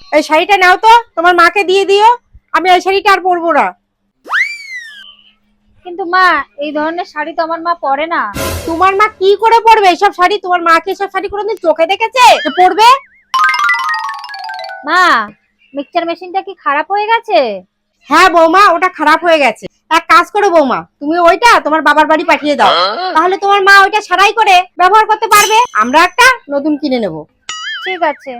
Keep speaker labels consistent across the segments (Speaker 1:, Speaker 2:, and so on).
Speaker 1: এই শাড়িটা নাও তো, তোমার মাকে দিয়ে দিও। আমি এই শাড়িটা আর পরবো না।
Speaker 2: কিন্তু মা, এই ধরনের শাড়ি তো আমার মা পরে না।
Speaker 1: তোমার মা কি করে পরবে এইসব শাড়ি? তোমার মা কি এসব শাড়ি কোনোদিন চোখে দেখেছে যে পরবে?
Speaker 2: মা, মিক্সচার মেশিনটা কি খারাপ হয়ে গেছে?
Speaker 1: হ্যাঁ বৌমা, ওটা খারাপ হয়ে গেছে। এক কাজ করো বৌমা, তুমি ওইটা তোমার বাবার বাড়ি পাঠিয়ে দাও, তাহলে তোমার মা ওইটা সারাই করে ব্যবহার করতে পারবে। আমরা একটা নতুন কিনে নেব।
Speaker 2: ঠিক আছে।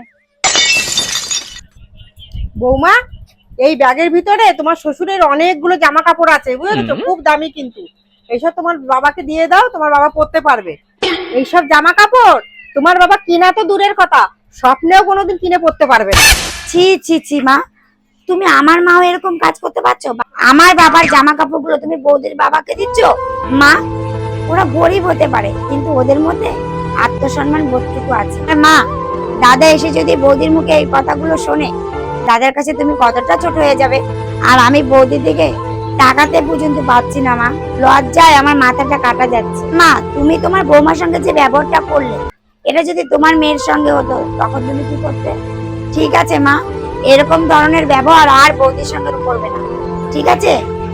Speaker 1: বৌমা, এই ব্যাগের ভিতরে তোমার শ্বশুরের অনেকগুলো জামা কাপড় আছে, বুঝেছো? খুব দামি কিন্তু। এইসব তোমার বাবাকে দিয়ে দাও, তোমার বাবা পরতে পারবে। এইসব জামা কাপড় তোমার বাবা কিনা তো দূরের কথা, স্বপ্নেও কোনোদিন কিনে পরতে পারবে না।
Speaker 3: ছি ছি ছি মা, তুমি আমার মাও এরকম কাজ করতে পারছো? আমার বাবার জামা কাপড়গুলো তুমি বৌদির বাবাকে দিচ্ছ? মা, ওরা গরিব হতে পারে, কিন্তু ওদের মধ্যে আত্মসম্মান বোধটুকু আছে। আর মা, দাদা এসে যদি বৌদির মুখে এই কথাগুলো শোনে, দাদার কাছে তুমি কতটা ছোট হয়ে যাবে। আর আমি বৌদির দিকে তাকাতে পর্যন্ত পাচ্ছি না মা, লজ্জায় আমার মাথাটা কাটা যাচ্ছে। মা, তুমি তোমার বৌমার সঙ্গে যে ব্যবহারটা করলে, এটা যদি তোমার মেয়ের সঙ্গে হতো তখন তুমি কি করতে? ঠিক আছে মা, এরকম ধরনের ব্যবহার আর বৌদির সঙ্গে করবে না, ঠিক আছে?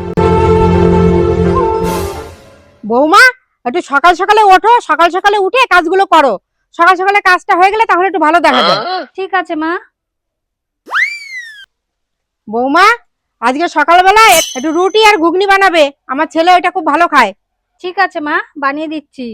Speaker 1: বৌমা, একটু সকাল সকালে ওঠো, সকাল সকালে উঠে কাজগুলো করো। সকাল সকালে কাজটা হয়ে গেলে তাহলে একটু ভালো দেখা যায়।
Speaker 2: ঠিক আছে মা।
Speaker 1: বৌমা, আজকে সকালবেলায় একটু রুটি আর ঘুগনি বানাবে, আমার ছেলে ওইটা খুব ভালো খায়।
Speaker 2: ঠিক আছে মা, বানিয়ে দিচ্ছি।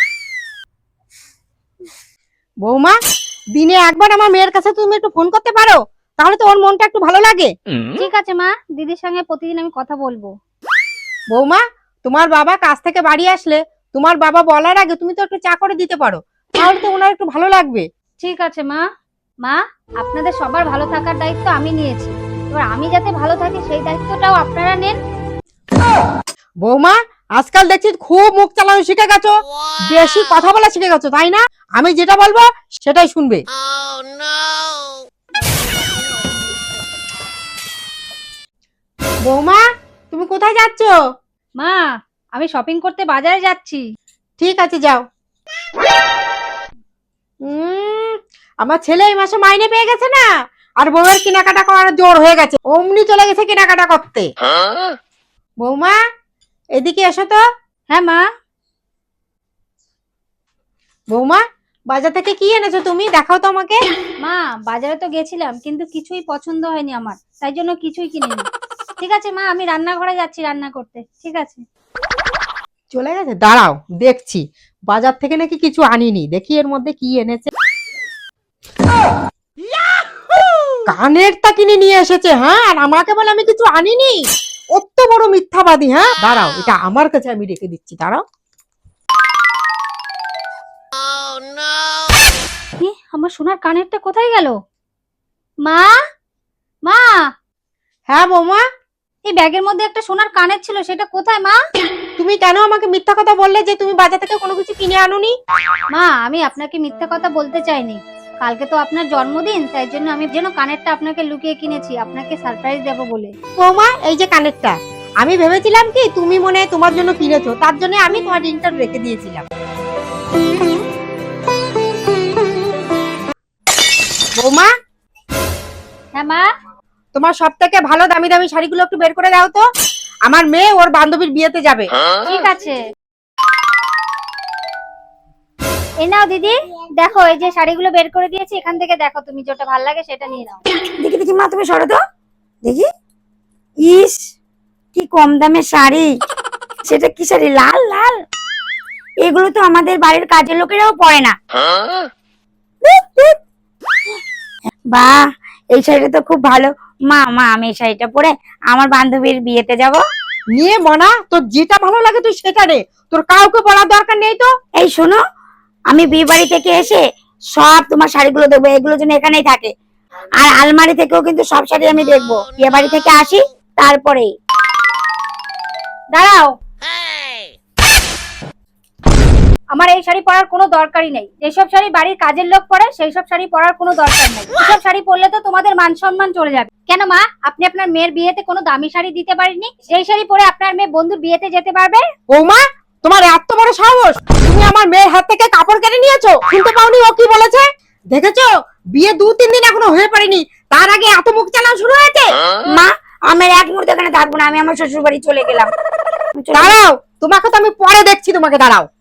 Speaker 1: বৌমা, দিনে একবার আমার মেয়ের কাছে তুমি একটু ফোন করতে পারো, তাহলে তো ওর মনটা একটু ভালো লাগে।
Speaker 2: ঠিক আছে মা, দিদির সঙ্গে প্রতিদিন আমি কথা বলবো।
Speaker 1: বৌমা, তোমার বাবা কাজ থেকে বাড়ি আসলে তোমার বাবা বলার আগে তুমি তো একটু চা করে দিতে পারো, তাহলে তো ওনার একটু ভালো লাগবে।
Speaker 2: ঠিক আছে মা। মা, আপনাদের সবার ভালো থাকার দায়িত্ব আমি নিয়েছি, এবার আমি যাতে ভালো থাকি সেই দায়িত্বটাও আপনারা নেন।
Speaker 1: বৌমা, আজকাল দেখছি খুব মুখ চালানো শিখে গেছো, বেশি কথা বলা শিখে গেছো, তাই না? আমি যেটা বলবো সেটাই শুনবে। বৌমা, তুমি কোথায় যাচ্ছ?
Speaker 2: মা, আমি শপিং করতে বাজারে যাচ্ছি।
Speaker 1: ঠিক আছে, যাও। আমার ছেলে এই মাসে মাইনে পেয়ে গেছে না, আর বউয়ের কেনাকাটা করার জোর হয়ে গেছে, অমনি চলে গেছে কেনাকাটা করতে। বৌমা, এদিকে এসো তো।
Speaker 2: হ্যাঁ মা।
Speaker 1: বৌমা, বাজার থেকে কি এনেছো তুমি? দেখাও তো আমাকে।
Speaker 2: মা, বাজারে তো গেছিলাম কিন্তু কিছুই পছন্দ হয়নি আমার, তাই জন্য কিছুই কিনিনি। ঠিক আছে মা, আমি রান্নাঘরে যাচ্ছি রান্না করতে। ঠিক আছে।
Speaker 1: চলে গেছে, দাঁড়াও দেখছি। বাজার থেকে নাকি কিছু আনিনি, দেখি এর মধ্যে কি এনেছে। কানেরটা কিনে নিয়ে এসেছে, হ্যাঁ, আর আমাকে বলে আমি কিছু আনিনি। অত বড় মিথ্যাবাদী। হ্যাঁ, দাঁড়াও, এটা আমার কাছে আমি রেখে দিচ্ছি, দাঁড়াও।
Speaker 2: আমার সোনার কানেরটা কোথায় গেল? মা, মা,
Speaker 1: হ্যাঁ বৌমা,
Speaker 2: এই ব্যাগের মধ্যে একটা সোনার কানের ছিল, সেটা কোথায় মা?
Speaker 1: তুমি কেন আমাকে মিথ্যা কথা বললে যে তুমি বাজার থেকে কোনো কিছু কিনে আনুনি?
Speaker 2: মা, আমি আপনাকে মিথ্যা কথা বলতে চাইনি। কালকে তো আপনার জন্মদিন, তাই জন্য আমি যেন কানেরটা আপনাকে লুকিয়ে কিনেছি, আপনাকে সারপ্রাইজ দেব বলে।
Speaker 1: বৌমা, এই যে কানেরটা, আমি ভেবেছিলাম কি তুমি মনে হয় তোমার জন্য কিনেছো, তার জন্য আমি তোমার রিংটা রেখে দিয়েছিলাম। বৌমা,
Speaker 2: হ্যাঁ মা।
Speaker 1: তোমার সব থেকে ভালো দামি দামি শাড়িগুলো একটু বের করে দাও তো, আমার মেয়ে ওর বান্ধবীর বিয়েতে যাবে।
Speaker 2: ঠিক আছে। এই নাও দিদি, দেখো এই যে শাড়িগুলো বের করে দিয়েছি, এখান থেকে দেখো তুমি যেটা ভালো লাগে সেটা নিয়ে নাও।
Speaker 3: দেখি দেখি মা, তুমি সরো তো দেখি। ইস, কি কম দামের শাড়ি! সেটা কি শাড়ি? লাল লাল। এগুলো তো আমাদের বাড়ির কাজের লোকেরাও পরে না। বাহ, এই শাড়িটা তো খুব ভালো। মা মা, আমি এই শাড়িটা পরে আমার বান্ধবীর বিয়েতে যাব।
Speaker 1: নিয়ে মনা, তোর যেটা ভালো লাগে তুই সেটা নে, তোর কাউকে বলার দরকার নেই তো।
Speaker 3: এই শোনো, আমি বিয়ে বাড়ি থেকে এসে সব তোমার শাড়িগুলো দেখবো, এগুলো যেন এখানেই থাকে। আর আলমারি থেকেও কিন্তু সব শাড়ি আমি দেখবো। বিয়ে বাড়ি থেকে আসি তারপরেই।
Speaker 2: দাঁড়াও, আমার এই শাড়ি পরার কোনো দরকারই নেই। যেসব শাড়ি বাড়ির কাজের লোক পরে সেই সব শাড়ি পরার কোনো দরকার নেই। এসব শাড়ি পরলে তো তোমাদের মান সম্মান চলে যাবে। কেন মা, আপনি আপনার মেয়ের বিয়েতে কোনো দামি শাড়ি দিতে পারেননি? যেই শাড়ি পরে আপনার মেয়ে বন্ধুর বিয়েতে যেতে পারবে।
Speaker 1: বৌমা, তোমার এত বড় সাহস, তুমি আমার মেয়ের হাত থেকে কাপড় কেড়ে নিয়েছো? শুনতে পাওনি ও কি বলেছে? দেখেছো, বিয়ে 2-3 দিন এখনো হয়ে পারেনি, তার আগে এত মুখ চালানো শুরু হয়েছে?
Speaker 3: মা আমি আর এক মুহূর্ত এখানে থাকবো না, আমি আমার শ্বশুর বাড়ি চলে গেলাম।
Speaker 1: দাঁড়াও, তোমাকে তো আমি পরে দেখছি, তোমাকে দাঁড়াও।